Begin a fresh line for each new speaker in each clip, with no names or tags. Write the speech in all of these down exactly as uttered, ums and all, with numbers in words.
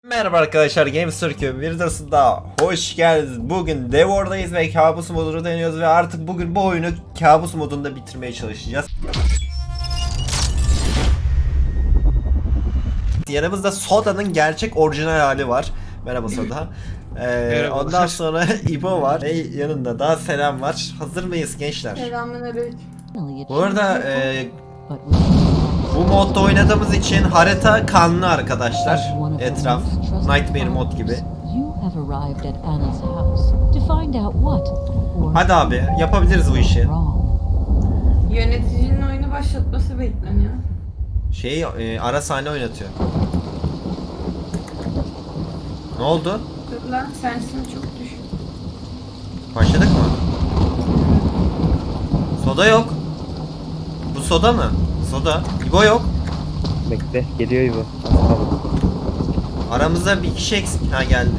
Merhaba arkadaşlar, Games Türk'ün bir videosunda hoş geldiniz. Bugün Devor'dayız ve kabus modunu deniyoruz ve artık bugün bu oyunu kabus modunda bitirmeye çalışacağız. Yanımızda Soda'nın gerçek orijinal hali var. Merhaba Soda. Ee, ondan sonra İbo var ve yanında da Selam var. Hazır mıyız gençler?
Selamünaleyküm.
Bu arada e, bu modda oynadığımız için harita kanlı arkadaşlar. Etraf Nightmare mod gibi. Hadi abi yapabiliriz bu işi.
Yöneticinin oyunu başlatması bekleniyor.
Şey e, ara sahne oynatıyor. Ne oldu?
Dur lan sensin çok düşük.
Başladık mı? Soda yok. Bu Soda mı? Soda. İbo yok.
Bekle, geliyor İbo.
Aramızda bir kişi eksik. Ha geldi.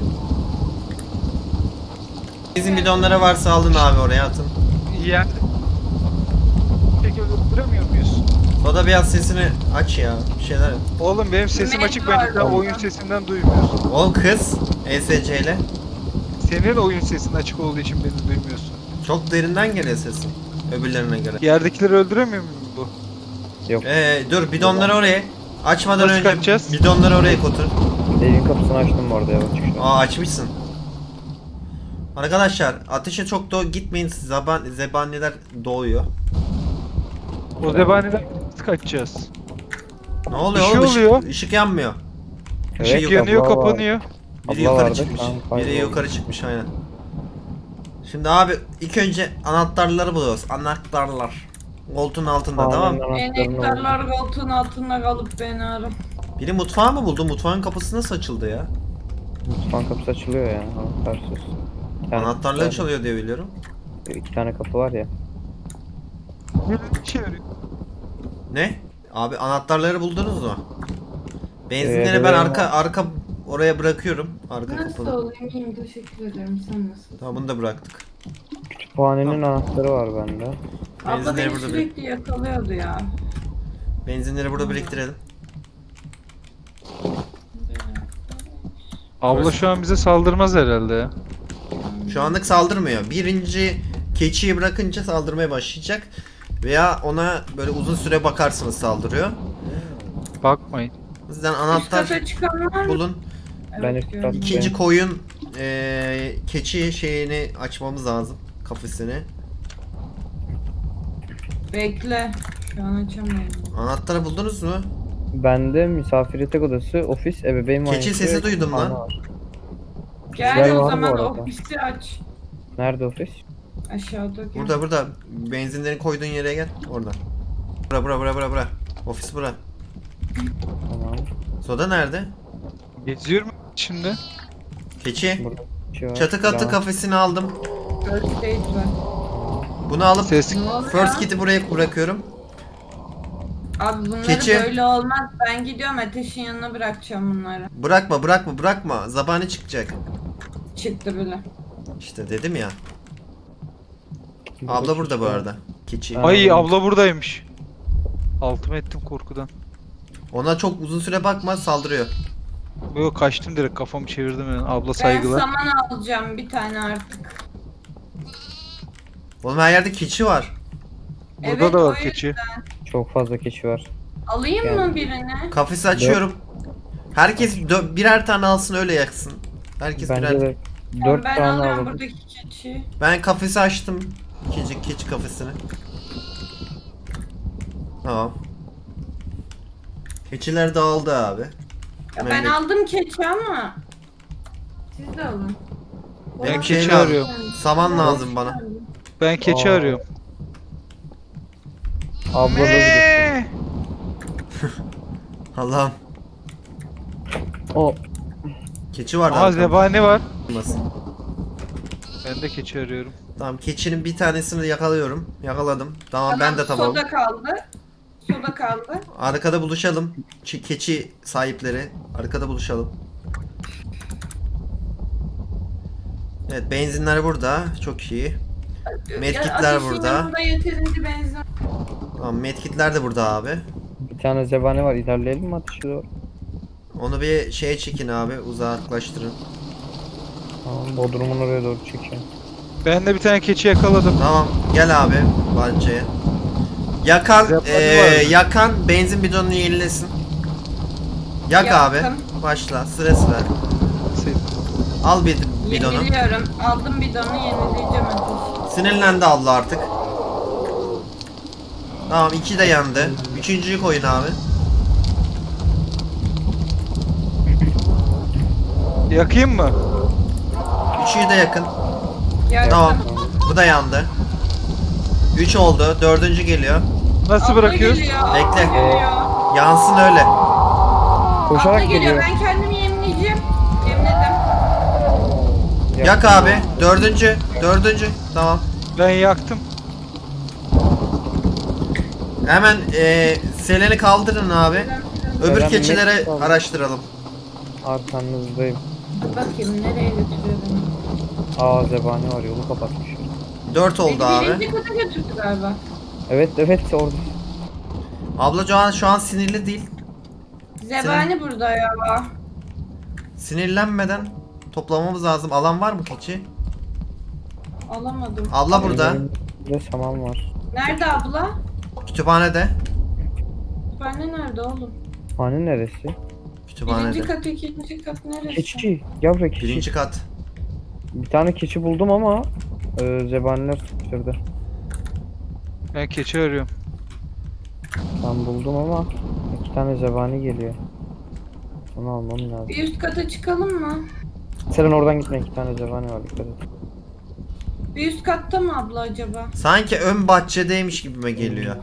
Bizim bidonlara varsa alın abi, oraya atın.
Yani peki öldüremiyor muyuz?
Soda biraz sesini aç ya. Bir şeyler yap.
Oğlum benim sesim
Met
açık,
var
ben daha
orada.
oyun sesinden duymuyorsun.
Oğlum kız E S C ile.
Senin oyun sesin açık olduğu için beni duymuyorsun.
Çok derinden geliyor sesin. Öbürlerine göre.
Yerdekileri öldüremiyor muyum bu?
Yok,
Ee, dur bidonları oraya. Açmadan
Nasıl
önce
kaçacağız?
bidonları oraya kotur.
evin kapısını açtım bu arada ya, bak çıkışta.
Aa, açmışsın. Arkadaşlar ateşe çok da gitmeyin, zaban zebaniler doğuyor.
O zebaniden nasıl kaçacağız?
Ne oluyor
Bir şey
oğlum?
oluyor.
Işık, ışık yanmıyor.
Işık
Evet,
yanıyor,
abla var.
kapanıyor.
Biri
Abla
yukarı
vardı,
çıkmış.
tamam,
Biri
kayboldu.
yukarı çıkmış aynen. Şimdi abi ilk önce anahtarları buluyoruz. Anahtarlar. Koltuğun altında, tamam mı?
Enektarlar koltuğun altında kalıp beni ara.
Biri mutfağı mı buldu? Mutfağın kapısı nasıl açıldı ya?
Mutfağın kapısı açılıyor ya, anahtarsız. Bir tane
Anahtarla
kapı var.
açılıyor diye biliyorum.
İki tane kapı var ya.
Bir şey arıyor.
Ne? Abi anahtarları buldunuz mu? Benzinleri
Ee,
ben
ben-
arka arka oraya bırakıyorum. Arka
Nasıl
kapıda.
olayım? İyiyim teşekkür ederim. Sen nasılsın?
Tamam, bunu da bıraktık.
Kütüphanenin anahtarı var bende.
Abla
Benzinleri
beni
burada
sürekli yakalıyordu ya.
Benzinleri burada biriktirelim.
Abla şu an bize saldırmaz herhalde ya.
Şu anlık saldırmıyor. Birinci keçiyi bırakınca saldırmaya başlayacak. Veya ona böyle uzun süre bakarsınız saldırıyor.
Bakmayın.
O yüzden
Üst
anahtar
kata çıkan var mı?
bulun.
Ben
Evet,
üst
gördüm.
kat-
İkinci
Ben-
koyun eee, keçi şeyini açmamız lazım. Kafesini.
Bekle. Şu an açamıyorum.
Anahtarı buldunuz mu?
Bende misafir yatak odası, ofis, ebeveyn
Keçi
banyosu
sesi
ve
duydum
kütüphane
lan.
var.
Gel
Güzel
o
var bu
zaman
arada.
ofisi aç.
Nerede ofis?
Aşağıda gel.
Burada burada. Benzinlerin koyduğun yere gel. Orada. Bura bura bura bura bura. Ofis bura.
Tamam.
Soda nerede?
Geziyorum şimdi.
Keçi.
Burada bir şey var.
Çatı katı
Tamam.
kafesini aldım.
First aid var.
Bunu alıp
Ses
Ne oluyor?
first kit'i buraya bırakıyorum.
Abi bunları
Keçi.
böyle olmaz. Ben gidiyorum ateşin yanına bırakacağım bunları.
Bırakma bırakma bırakma. Zabani çıkacak.
Çıktı bile.
İşte dedim ya.
Burada
Abla burada bu
keçi var.
arada. Keçi.
Aa.
Ay abla buradaymış. Altımı ettim korkudan.
Ona çok uzun süre bakma, saldırıyor.
Böyle kaçtım direkt, kafamı çevirdim yani. Abla
Ben
saygılar.
saman alacağım bir tane artık.
Oğlum her yerde keçi var.
Burada
Evet,
da
o
var
yüzden.
keçi.
Çok fazla keçi var.
Alayım
Yani-
mı birini?
Kafesi açıyorum. Herkes dö- birer tane alsın, öyle yaksın. Herkes
Bence
birer.
de
Tamam,
dört
ben
tane
alıyorum
alalım.
buradaki keçiyi.
Ben kafesi açtım. İkinci keçi kafesini. Tamam. Keçiler dağıldı abi.
Ya ben
Memleket-
aldım keçi ama. Siz de alın.
Ben
Olan-
keçi
keçi arıyorum.
Saman lazım bana.
Ben keçi
Aa.
arıyorum.
Abla da bir-
Eee!
Allah'ım.
O
Keçi var
Aha zebani var.
Olmasın.
Ben de keçi arıyorum.
Tamam, keçinin bir tanesini yakalıyorum. Yakaladım. Tamam,
Tamam,
ben de tamam.
Soda kaldı. Soda kaldı.
Arkada buluşalım. Ç- keçi sahipleri. Arkada buluşalım. Evet, benzinler burada. Çok iyi. Medkitler
Ya, ateşin
burada.
yanında yeterince benzin.
Tamam, medkitler de burada abi.
bir tane zebani var, ilerleyelim mi ateşe doğru?
Onu bir şeye çekin abi, uzaklaştırın.
Tamam, Bodrum'un oraya doğru çekiyorum.
Ben de bir tane keçi yakaladım.
Tamam, gel abi bahçeye. Yakan,
Zebani
eee,
var mı?
yakan benzin bidonunu yenilesin. Yak
Yaktım.
abi. Başla, sıra sıra.
Sen-
Al bir bidonu.
Yeniliyorum. Aldım bidonu yenileyeceğim ateş.
Sinirlendi abla artık. Tamam, iki de yandı. Üçüncüyü koyun abi.
Yakayım mı?
Üçüyü de yakın.
Yaktım.
Tamam. Bu da yandı. Üç oldu. Dördüncü geliyor.
Nasıl
Abla
bırakıyoruz?
geliyor, abla
Bekle.
geliyor.
Yansın öyle.
Abla
Koşarak
geliyor.
geliyor.
Ben kendimi yemleyeceğim. Yemledim.
Yak abi. Dördüncü. Dördüncü. Tamam.
Ben yaktım.
Hemen eee Selen'i kaldırın abi. Öbür
Selen
keçilere
Mesut abi.
araştıralım.
Arkanızdayım.
Dur bakayım nereye götürüyor beni.
Aa zebani var, yolu kapatmış.
Dört oldu
Beni
abi.
birinci kata götürdü galiba.
Evet evet orada.
Abla şu an, şu an sinirli değil.
Zebani burada ya.
Sinirlenmeden toplamamız lazım. Alan var mı keçi?
Alamadım.
Abla burada.
Burada saman var.
Nerede abla?
Kütüphanede.
Kütüphane nerede oğlum?
Hani neresi?
Kütüphanede.
Birinci kat, ikinci kat neresi?
Keçi. Yavru keçi.
Birinci kat.
Bir tane keçi buldum ama e, zebaniler sıkıştırdı.
Ben keçi arıyorum.
Ben buldum ama iki tane zebani geliyor. Onu almam lazım.
Bir üst kata çıkalım mı?
Sen oradan gitme, iki tane zebani var, dikkat et.
Bir üst katta mı abla acaba?
Sanki ön bahçedeymiş gibime geliyor.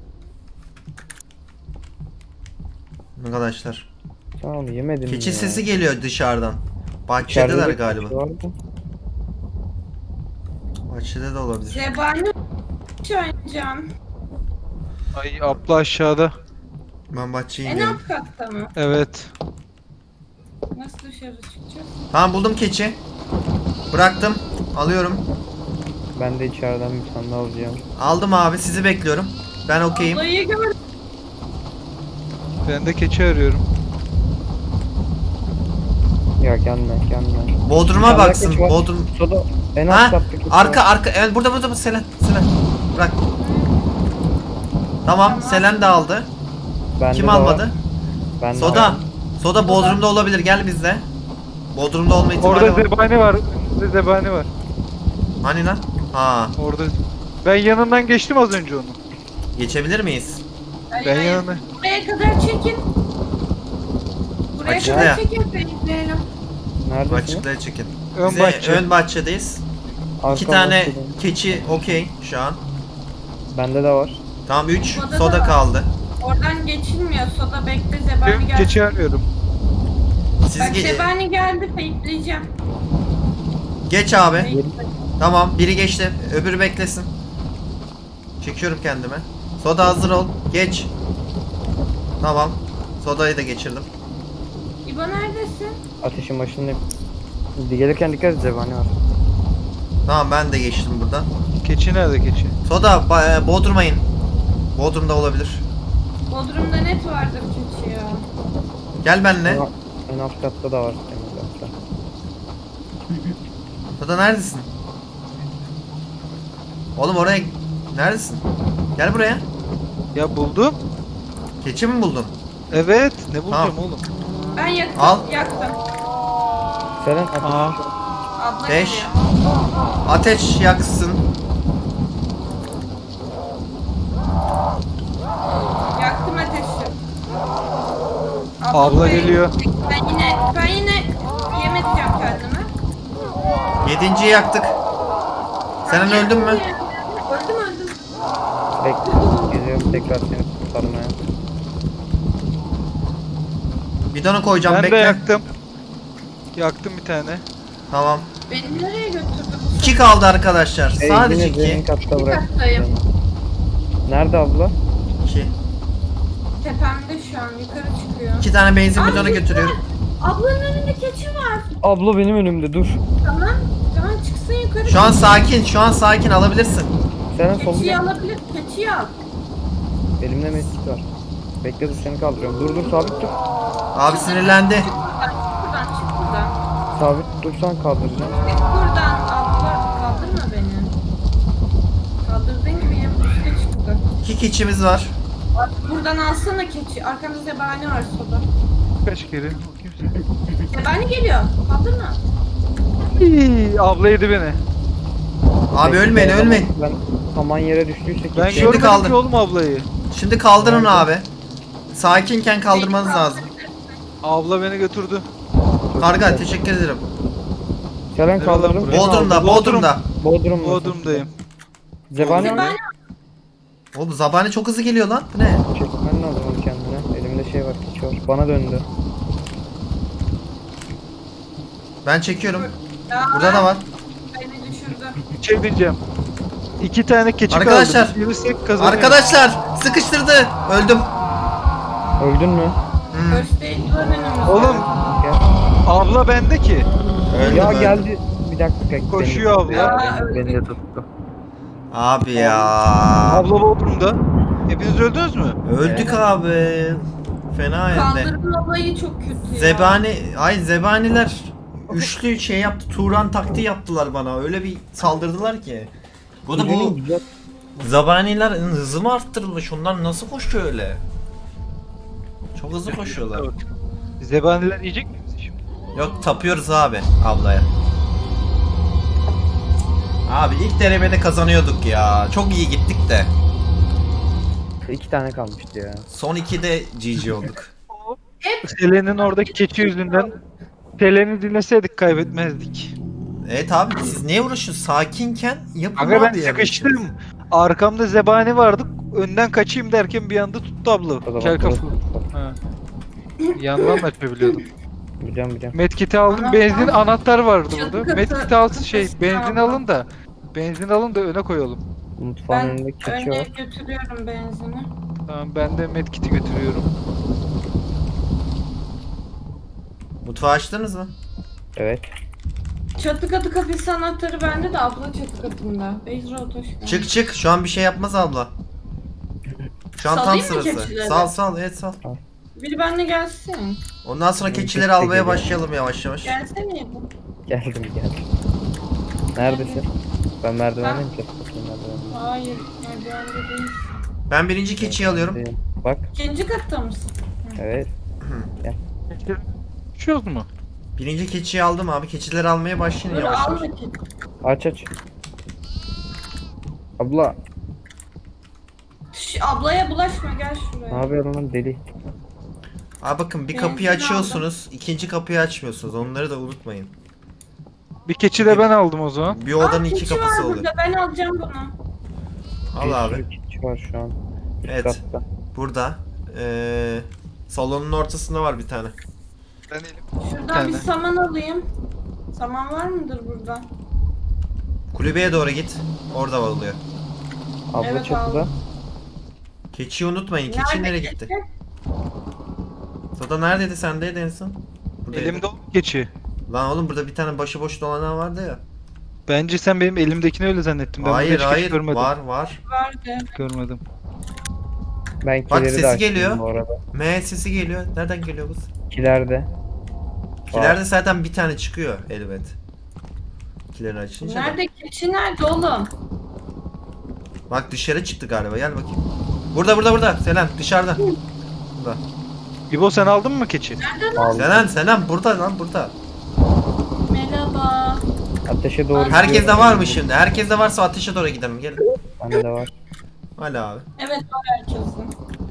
Arkadaşlar.
Sen onu yemedin mi
Keçi
ya?
sesi geliyor dışarıdan.
İçeride
Bahçedeler
de
galiba.
keçi vardı.
Bahçede de olabilir.
Zebani oynayacağım.
Ay abla aşağıda.
Ben bahçeye
En
iniyorum.
alt katta mı?
Evet.
Nasıl dışarı çıkacağız?
Tamam, buldum keçi. Bıraktım. Alıyorum.
Ben de içeriden bir tane daha alacağım.
Aldım abi, sizi bekliyorum. Ben okeyim.
Ablayı gördüm.
Ben de keçi arıyorum.
Ya gelme gelme.
Bodrum'a
Bir tane
baksın.
keçi var.
Bodrum.
Soda en alt
Ha?
katta keçi
Arka
var.
arka. Evet, burada burada bu Selen. Selen. Bırak. Tamam,
Tamam.
Selen de aldı.
Bende
Kim
de var.
almadı?
Ben de
Soda.
var.
Soda Bodrum'da olabilir. Gel bizde. Bodrum'da olma ihtimali
Orada
var.
zebani var. Önünde zebani var.
Hani lan? Ha.
Orada. Ben yanından geçtim az önce onu.
Geçebilir miyiz?
Hayır,
Ben
hayır.
yanına.
Buraya kadar çekin. Buraya
Açıkla
kadar
ya.
çekin. Bekleyelim.
Neredesin?
Açıklığa çekin.
Ön
Bize
bahçe.
ön bahçedeyiz.
Arka
İki tane
bahçede.
keçi okey şu an.
Bende de var.
Tamam, üç.
Soda da
Soda
var.
kaldı.
Oradan geçilmiyor. Soda bekle. Zebani
Ben
geldi.
keçi arıyorum.
Siz
Bak
ge-
Zebani geldi. Feytleyeceğim.
geç abi.
Feytle.
Tamam, biri geçti. Öbürü beklesin. Çekiyorum kendime. Soda hazır ol. Geç. Tamam. Sodayı da geçirdim.
İbo neredesin?
Ateşin başındayım. Gelirken dikkat et, zebani var.
Tamam, ben de geçtim buradan.
Keçi nerede keçi?
Soda ba- e, Bodrum'a in. Bodrum'da olabilir.
Bodrum'da net vardır keçi ya.
Gel benimle.
En, en alt katta da var. En alt katta.
Soda neredesin? Oğlum oraya neredesin? Gel buraya.
Ya buldum.
Keçi mi buldun?
Evet. Ne bulacağım
Tamam.
oğlum?
Ben yaktım.
Al.
Yaktım.
Selen ateş.
Aa.
Abla
Beş.
geliyor.
Ateş yaksın.
Yaktım ateşi.
Abla
ben-
geliyor.
Ben yine ben yine yem edeceğim kendime.
Yedinciyi yaktık. Sen öldün mü?
Öldüm öldüm.
Bekle. Geliyorum tekrar seni kurtarmaya.
Bidonu koyacağım,
Ben
bekle.
de yaktım. Yaktım bir tane.
Tamam.
Beni nereye götürdü bu
İki kaldı arkadaşlar.
Hey,
Sadece
yine zemin
iki.
katta
İki
bırak.
kattayım.
Nerede abla?
İki.
Tepemde şu an yukarı çıkıyor.
İki tane benzin
Aa,
bidonu
keçi
götürüyorum.
var. Ablanın önünde keçi var.
Abla benim önümde, dur.
Tamam. Tamam çıksın yukarı.
Şu an sakin, şu an sakin, alabilirsin.
Selen solda.
Keçiyi alabilir. Keçiyi al.
Elimde mesut var. Bekle dur seni kaldırıyorum. Dur dur sabit dur.
Abi sinirlendi.
Çık buradan, çık buradan.
Sabit dursan kaldıracağım.
Çık buradan abla, kaldırma beni. Kaldırdığın gibi hem üstte çıktı.
İki keçimiz var.
Bak, buradan alsana keçi. Arkamda zebani var soda.
Kaç kere? Bakayım sen.
Zebani geliyor. Kaldırma.
Hii, abla yedi beni.
Abi
Bekle,
ölmeyin
o zaman
ölmeyin.
Ben saman yere düştüyse
Ben
keçi.
Şimdi
görmedim
kaldım.
ki oğlum ablayı.
Şimdi kaldırın
Nerede?
abi. Sakinken kaldırmanız lazım.
Abla beni götürdü.
Karga teşekkür ederim.
Selen kaldırdım.
Buraya.
Bodrum'da,
Bodrum.
Bodrum'da.
Bodrum.
Bodrum'dayım.
Zebani mi?
Zebani
Oğlum Zabani çok hızlı geliyor lan. Bu ne?
Çekmen lazım onu kendine. Elimde şey var, keçi var. Bana döndü.
Ben çekiyorum.
ya,
Burada da var.
beni düşürdü.
Bir şey diyeceğim. İki tane keçi
Arkadaşlar,
kaldı. Yürüsek kazanıyoruz.
Arkadaşlar sıkıştırdı. Öldüm.
Öldün mü?
Hmm,
First aid var önümüzde.
Oğlum
Gel.
abla bende ki.
öldüm,
Ya
öldüm.
geldi. Bir dakika.
Koşuyor
beni,
abla.
Beni, beni de tuttu.
Abi ya.
Abla Bodrum'da. Hepiniz öldünüz mü?
Öldük abi. Fena hem de.
Kaldırma olayı çok kötü ya.
Zebani, ay zebaniler üçlü şey yaptı. Turan taktiği yaptılar bana. Öyle bir saldırdılar ki. Bu da bu
Güzel.
zabaniler hızı mı arttırılmış? Onlar nasıl koşuyor öyle? Çok hızlı koşuyorlar.
Zebaniler yiyecek mi bizi şimdi?
Yok tapıyoruz abi ablaya. Abi ilk denemede kazanıyorduk ya. Çok iyi gittik de.
İki tane kalmıştı ya.
Son ikide G G olduk.
Selen'in oradaki keçi yüzünden Selen'i dinleseydik kaybetmezdik.
Evet abi siz niye uğraşıyorsunuz? Sakinken yapın
Aga ben
abi yani.
sıkıştım. Arkamda zebani vardı. Önden kaçayım derken bir anda tuttu abla.
O zaman
Kel kafa.
dur.
Ha. Yandan da açabiliyordum.
Biliyorum biliyorum.
Medkit'i aldım.
Anahtar-
Benzin anahtar vardı
Çatı
burada.
katı-
Medkit'i al şey
katı-
benzin
tamam.
alın da benzin alın da öne koyalım.
Mutfağın
Ben
önünde keçi
önüne
var.
götürüyorum benzini.
Tamam ben de medkit'i götürüyorum.
Mutfağı açtınız mı?
Evet.
Çatı katı kafesi anahtarı bende de abla çatı katında. Beyzra hoş geldin.
Çık çık şu an bir şey yapmaz abla. Şu an tam
Salayım mı
sırası.
keçileri?
Sal sal evet sal.
Biri benimle gelsin.
Ondan sonra
Benim
keçileri
keçi de
almaya
geliyor.
başlayalım yavaş yavaş.
Gelsene bu.
Geldim geldim. Neredesin? Ben merdivendeyim. Çatı katının merdivenindeyim.
Hayır, merdivende değil.
Ben birinci keçiyi alıyorum.
Bak.
İkinci katta mısın?
Evet.
Düşüyoruz mu?
Birinci keçiyi aldım abi. Keçileri almaya başlayın
Dur
yavaş
al
yavaş.
bakayım.
Aç aç. Abla.
Şş, ablaya bulaşma gel
Ne
şuraya.
yapıyorsun lan deli?
Abi bakın bir
Benzin
kapıyı
aldım.
açıyorsunuz. ikinci kapıyı açmıyorsunuz. Onları da unutmayın.
Bir keçi de ben aldım o zaman.
Bir odanın
Aa,
iki
keçi
kapısı
var
oluyor.
burada, ben alacağım bunu.
Al
Bir
abi.
sürü keçi var şu an. Üst
Evet.
katta.
Burada. Ee, salonun ortasında var bir tane.
Ben elim.
Şuradan
tane.
bir saman alayım. Saman var mıdır burada?
Kulübeye doğru git. Orada oluyor.
Abla
Evet,
çatıda.
aldım.
Keçiyi unutmayın. Keçi nereye gitti?
keçi?
Sada neredeydi sendeydi en son? Buradaydı.
Elimde o keçi.
Lan oğlum burada bir tane başıboş dolanan vardı ya.
Bence sen benim elimdekini öyle zannettin. Ben burada
Hayır
hiç keçi
hayır
görmedim.
var var.
Vardı.
Görmedim.
Ben
Bak,
kileri
sesi
de açtım
geliyor.
bu arada.
M sesi geliyor. Nereden geliyor bu?
Kilerde.
Kilerde zaten bir tane çıkıyor elbet. Kileri açınca da.
Nerede keçi nerede oğlum?
Bak dışarı çıktı galiba. Gel bakayım. Burada burada burada. Selen dışarıda. Burada.
İbo sen aldın mı keçi?
Aldım.
Selen Selen burada lan burada.
Merhaba.
Ateşe doğru
Herkes de
gidiyorum.
var mı şimdi? Herkes de varsa ateşe doğru gidelim. Gelin.
Bende de var.
Hadi abi.
Evet var herkesin.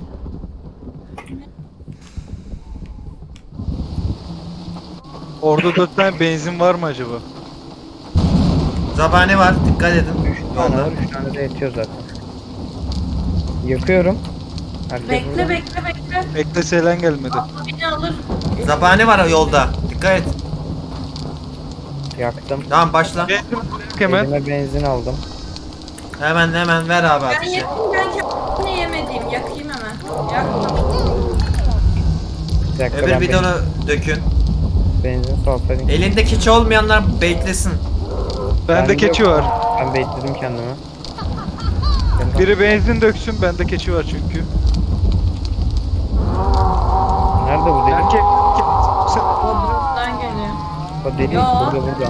Orada dört tane benzin var mı acaba?
Zabani var. Dikkat edin.
üç tane
Yolda.
var. üç tane de yetiyor zaten. Yakıyorum. Herkes
Bekle
burada.
bekle bekle.
Bekle Selen gelmedi.
Abla beni alır.
Zabani var yolda. Dikkat et.
Yaktım.
Tamam başla.
Benzin hemen.
Elime benzin aldım.
Hemen hemen ver abi
Ben
ateşi.
yakayım ben kendimi yemediğim. Yakayım hemen. Yaktım.
Bir dakika
Öbür
ben
bidonu dökün.
benzin, benzin salsaydım.
Elinde keçi olmayanlar beklesin.
Bende
Bende
keçi
yok.
var.
Ben bekledim kendimi. Gel bak.
Biri benzin döksün, bende keçi var çünkü.
O deli
Yo.
burada burada.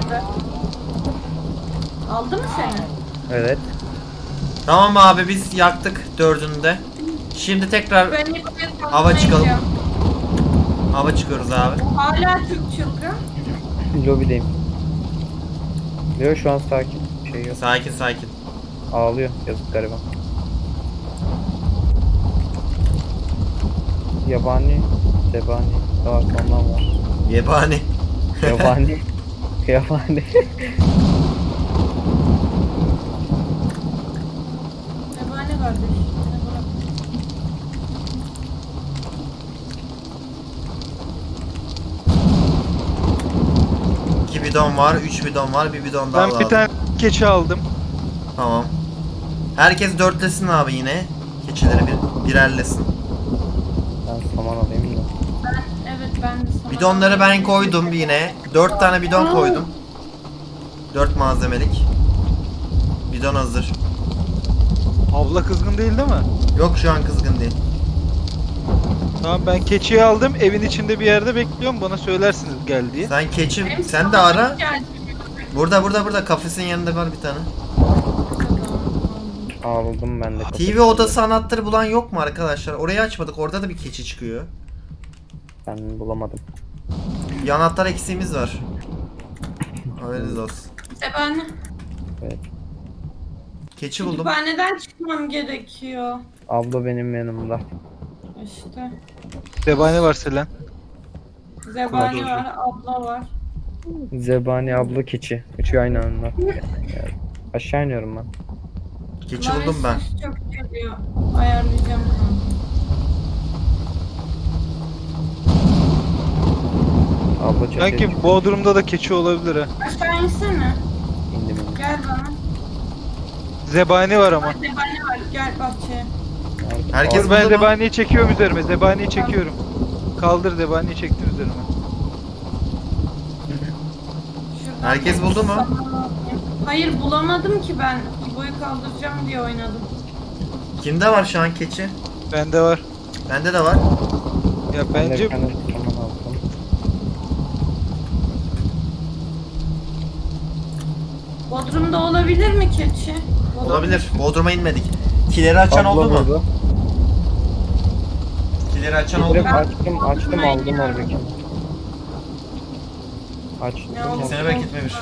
Aldı mı seni?
Evet.
Tamam abi biz yaktık dördünü de. Şimdi tekrar
Ben ilk kez
Hava çıkalım.
yapacağım.
hava çıkıyoruz abi.
Hala Türk çılgın.
Lobideyim. Leo şu an sakin. Bir şey yok.
Sakin sakin.
Ağlıyor. Yazık gariban. Yabani. Zebani. Daha sondan var.
Yebani.
Yabani. Yabani.
Nebane kardeş. Beni bırak.
İki bidon var, üç bidon var, bir bidon daha
Ben bir
lazım.
tane keçi aldım.
Tamam. Herkes dörtlesin abi yine. Keçileri bir, birerlesin.
Ben saman alayım da.
Ben, evet ben de sana...
Bidonları ben koydum yine. Dört tane bidon koydum. Dört malzemelik. Bidon hazır.
Abla kızgın değil değil mi?
Yok şu an kızgın değil.
Tamam ben keçiyi aldım. Evin içinde bir yerde bekliyorum. Bana söylersiniz gel diye.
Sen keçi,
Benim
sen de
sana
ara.
geldi.
Burada burada burada kafesin yanında var bir tane.
Ağladım ben de.
T V odası anahtarı bulan yok mu arkadaşlar? Orayı açmadık. Orada da bir keçi çıkıyor.
Ben bulamadım.
Bir anahtar eksiğimiz var. Haberiniz olsun.
Sebane.
Evet.
Keçi buldum.
Kütüphaneden çıkmam gerekiyor.
Abla benim yanımda.
İşte.
Zebani var Selen.
Zebani
Doğru.
var, abla var.
Zebani abla keçi. Üçü aynı anda. Yani aşağı iniyorum ben.
Keçi buldum ben.
Ses çok geliyor. Ayarlayacağım kanka.
Abla çatıya
Sanki
çık-
Bodrum'da da keçi olabilir ha.
Aşağı insene.
indim indim.
Gel bana.
Zebani var ama.
Bak zebani var. Gel bahçeye.
Nerede?
Herkes
Dur, ben
buldu mu?
zebaniyi çekiyorum üzerime. Zebaniyi çekiyorum. Kaldır zebaniyi çektim üzerime.
Şuradan
Herkes
bir
buldu mu?
saman alayım. Hayır bulamadım ki ben. İbo'yu kaldıracağım diye oynadım.
Kimde var şu an keçi?
Bende var.
Bende de var.
Ya
Ben de
bence
bir tane saman aldım.
Bodrum'da olabilir mi keçi?
Olabilir. Bodrum'a inmedik. Kileri açan
Abla
oldu mu?
burada.
Kileri açan oldu
Direkt
mu?
açtım açtım
Ben
aldım
iniyorum.
oradaki. Açtım.
Ne oldu?
Seni bekletmemiş.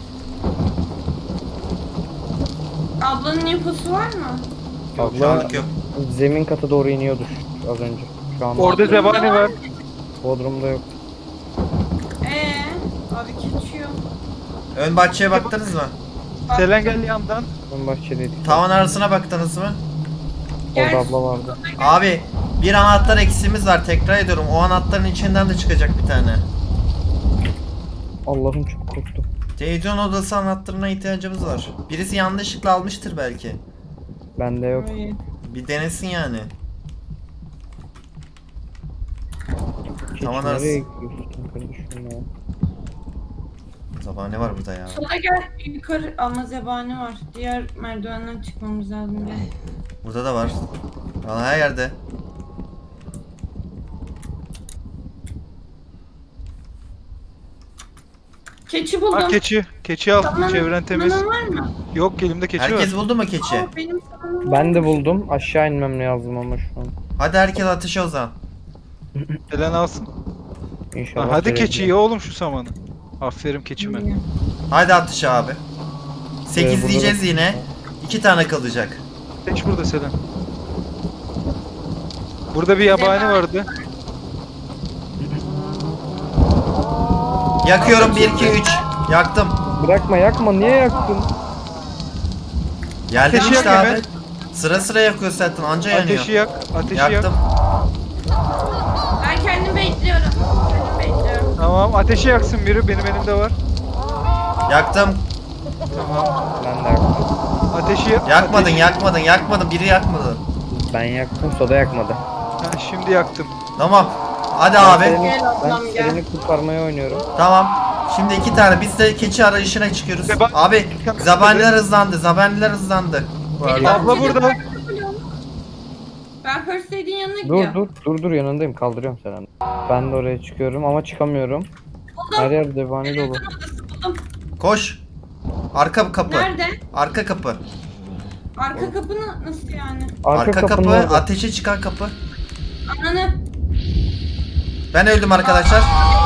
Ablanın infosu var mı?
Yok şu
Abla
anlık yok.
zemin kata doğru iniyordur az önce. Şu an
orada zebani var.
Bodrum'da yok.
Ee, abi keçi yok.
Ön bahçeye baktınız mı?
Selen gel yandan.
Ön bahçedeydik.
Tavan arasına baktınız mı?
Orada
Gel.
abla vardı.
Abi bir anahtar eksiğimiz var tekrar ediyorum. O anahtarın içinden de çıkacak bir tane.
Allah'ım çok korktum.
Televizyon odası anahtarına ihtiyacımız var. Birisi yanlışlıkla almıştır belki.
Bende yok.
Hayır.
Bir denesin yani.
Keçi
Tavan arası.
nereye gidiyorsun kardeşim ya?
Sabah ne var burada ya?
Sola gel yukarı ama zebani var. Diğer merdivenden çıkmamız lazım. Gel.
Burada da var. Valla her yerde.
Keçi buldum.
Ha keçi. Keçi al.
Saman-
Çevren temiz.
samanın var mı?
Yok elimde keçi
Herkes
var.
buldu mu keçi?
Aa, benim samanım var.
Ben de buldum. Aşağı inmem lazım ama şu an.
Hadi herkes ateşe o zaman.
Selen alsın.
İnşallah.
Ha, hadi
verebilirim.
keçi ye oğlum şu samanı. Aferin keçime.
Hadi ateşe abi. sekiz
burada
diyeceğiz
da-
yine. iki tane kalacak.
Geç burada Selen. Burada bir yabani
Zebani.
vardı.
Yakıyorum bir iki üç. Yaktım.
Bırakma yakma. Niye yaktın?
Geldim
Ateşi
işte
yak
abi.
hemen.
Sıra sıra yakıyor zaten anca yanıyor.
Ateşi yak. Ateşi
Yaktım.
yak.
Ben kendimi bekliyorum. Kendimi bekliyorum.
Tamam ateşi yaksın biri. Benim elimde var.
Yaktım.
Tamam.
Ben de yaktım.
Ateşi yak.
Yakmadın
ateşi-
yakmadın yakmadın. Biri yakmadı.
Ben yaktım. Soda yakmadı.
Ha, şimdi yaktım.
Tamam. Hadi
Ben
abi.
Selen'i-
Gel ablam,
Ben
gel.
seni kurtarmaya oynuyorum.
Tamam. Şimdi iki tane. Biz de keçi arayışına çıkıyoruz.
Zeba-
Abi zabaniler hızlandı. Zabaniler hızlandı.
Benim
Abla
bahçede
burada.
bırak- Ben First Aid'in yanına
Dur
gidiyorum.
dur dur dur yanındayım kaldırıyorum seni. Ben de oraya çıkıyorum ama çıkamıyorum. Her yer zebani dolu.
Televizyon odası buldum.
Koş. Arka kapı.
Nerede?
Arka kapı.
Arka kapı na- nasıl yani?
Arka,
Arka kapı,
kapının orada.
ateşe çıkan kapı.
Ananı.
Ben öldüm arkadaşlar.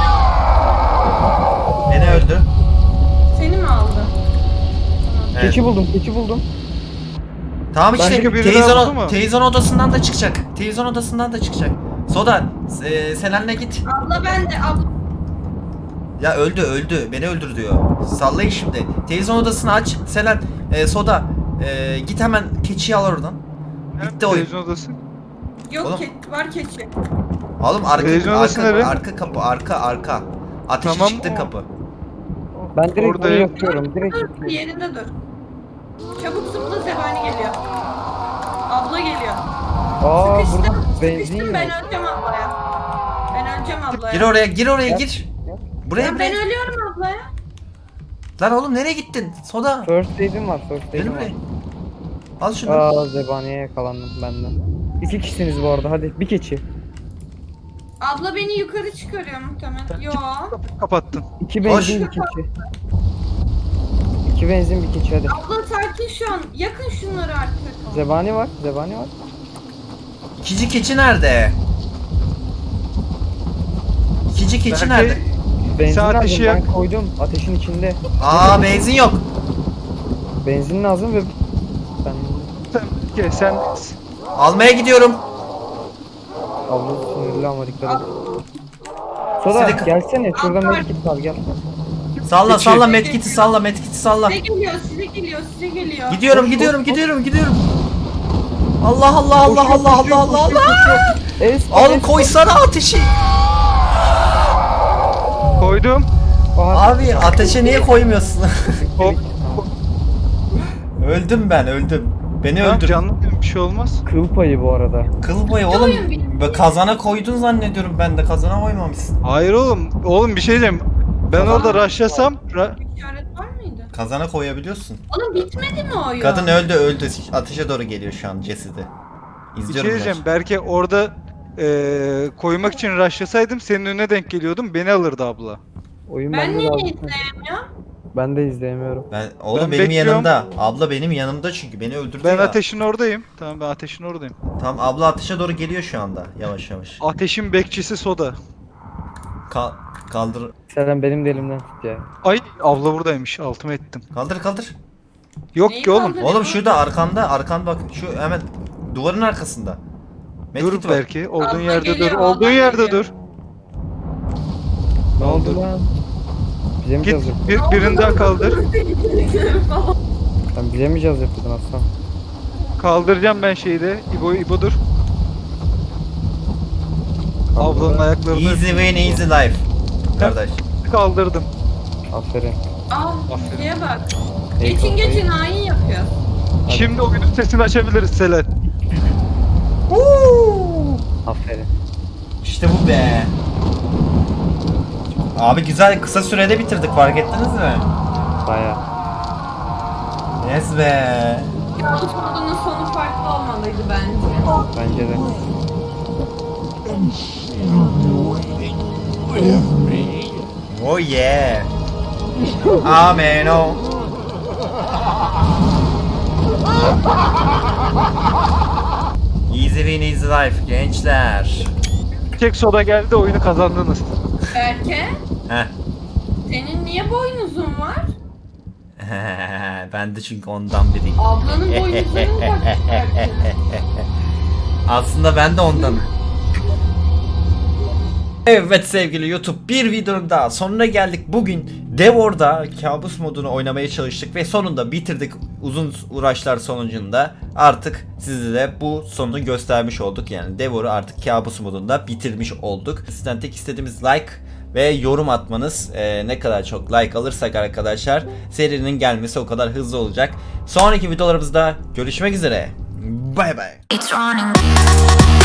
Beni öldü.
Seni mi aldı?
Evet.
Keçi buldum, keçi buldum.
Tamam işte
Başka biri
televizyon,
daha buldu mu?
televizyon odasından da çıkacak. Televizyon odasından da çıkacak. Soda, e, Selen'le git.
Abla ben de abla.
Ya öldü öldü. Beni öldür diyor. Sallayın şimdi. Televizyon odasını aç. Selen, e, Soda, e, git hemen keçiyi al oradan. Bitti oyun.
Televizyon odası.
Yok
Oğlum.
ke- var keçi.
Oğlum arka,
Televizyon
arka,
odası nere?
arka kapı, arka arka. Ateşe
Tamam,
çıktı
o-
kapı.
Ben direkt
Orada-
oraya yapıyorum, direkt
Dur
yapıyorum.
yerinde dur. Çabuk zıpla zebani geliyor. Abla geliyor.
Aa
Sıkıştım.
burada benzin
Sıkıştım
yok.
ben öleceğim ablaya. Ben öleceğim ablaya.
Gir oraya, gir oraya
Yap.
gir. Buraya
Ya
buraya.
ben ölüyorum ablaya.
Lan oğlum nereye gittin? Soda.
First aid'im var, first
Benim
aid'im var.
buraya. Al şunu.
Aa zebaniye yakalandım benden. İki kişisiniz bu arada, hadi bir keçi.
Abla beni yukarı çıkarıyor muhtemelen. Yo.
Kapıyı kapattın.
İki
Koş.
benzin bir keçi. İki benzin bir keçi hadi.
Abla sakin şu an. Yakın şunları artık.
Zebani var, zebani var.
İkinci keçi nerede? İkinci keçi
Belki-
nerede?
Benzin
Sen
lazım,
ateşi
ben
yak.
koydum ateşin içinde.
Aa benzin yok.
Benzin lazım ve ben
Sen, Ke, sen
Almaya gidiyorum.
abla sinirli ama dikkat et. Soda
Sizi-
gelsene şuradan
Abla-
medkit var gel.
Salla
Keçi.
salla medkiti salla medkiti salla.
Size geliyor, size geliyor, size geliyor.
Gidiyorum
Koş,
gidiyorum
koş, koş.
gidiyorum gidiyorum. Allah Allah Allah
Koşuyor,
Allah
koşuyor,
Allah Allah
koşuyor,
Allah.
koşuyor. Es,
Oğlum
es.
koysana ateşi.
koydum.
Aha,
Abi ateşe niye koymuyorsun?
Hop.
Öldüm ben öldüm. Beni
Tamam,
öldür.
canlı bir şey olmaz.
kıl payı bu arada.
Kıl boyu oğlum.
oyun bitti.
Be- Kazana koydun zannediyorum ben de kazana koymamışsın.
Hayır oğlum. Oğlum bir şey diyeceğim. Ben
Tamam.
orada rushlasam ra-
İşaret var mıydı?
Kazana koyabiliyorsun.
Oğlum bitmedi mi oyun?
Kadın öldü öldü. Ateşe doğru geliyor şu an cesedi.
bir şey
İzliyorum
diyeceğim.
ben.
Belki orada eee, koymak için rushlasaydım senin önüne denk geliyordum. Beni alırdı abla.
Oyun
Ben
bende
niye
lazım.
izleyemiyorum?
Ben de izleyemiyorum.
Ben oğlum
Ben
benim
bekliyorum.
yanımda. Abla benim yanımda çünkü beni öldürdü
Ben
ya.
ateşin oradayım. Tamam ben ateşin oradayım.
Tamam abla ateşe doğru geliyor şu anda yavaş yavaş.
Ateşin bekçisi Soda.
Ka- kaldır
Selen benim de elimden tut ya.
Ay abla buradaymış. Altıma ettim.
kaldır kaldır.
Yok
Neyi
ki oğlum.
kaldırıyor?
Oğlum şurada arkanda arkan bak şu hemen duvarın arkasında.
Dur
Medkit var.
belki. Olduğun
Abla
yerde
geliyor,
dur.
abla
Olduğun yerde
geliyor.
dur.
Ne oldu
Kaldır.
lan? Bize mi
Git
caz yapıyordun?
bir, birini daha kaldır.
Sen bize mi caz yapıyordun aslan?
Kaldıracağım ben şeyi de. İbo İbo dur.
Kaldır.
Ablanın ayaklarını
Easy win easy life. Kardeş.
kaldırdım.
Aferin.
Aa,
Aferin.
şeye bak.
Ey
Geçin
kafayı.
geçin hain yapıyor.
Şimdi oyunun sesini açabiliriz Selen.
Aferin.
İşte bu be. Abi güzel kısa sürede bitirdik fark ettiniz mi?
Baya.
Yes be.
Kabus modunun sonu farklı olmalıydı bence.
Bence de.
Oh yeah. Amen o. Easy win easy life gençler.
Tek Soda geldi oyunu kazandınız.
Berke,
Heh.
senin niye boynuzun var?
Ben de çünkü ondan biriyim.
Ablanın boynuzları mı var Berke?
Aslında ben de ondan. Evet sevgili YouTube, bir videonun daha sonuna geldik. Bugün Devor'da kabus modunu oynamaya çalıştık ve sonunda bitirdik. Uzun uğraşlar sonucunda artık size de bu sonunu göstermiş olduk. Yani Devor'u artık kabus modunda bitirmiş olduk. Sizden tek istediğimiz like ve yorum atmanız. Ee, ne kadar çok like alırsak arkadaşlar serinin gelmesi o kadar hızlı olacak. Sonraki videolarımızda görüşmek üzere. Bay bay.
It's running.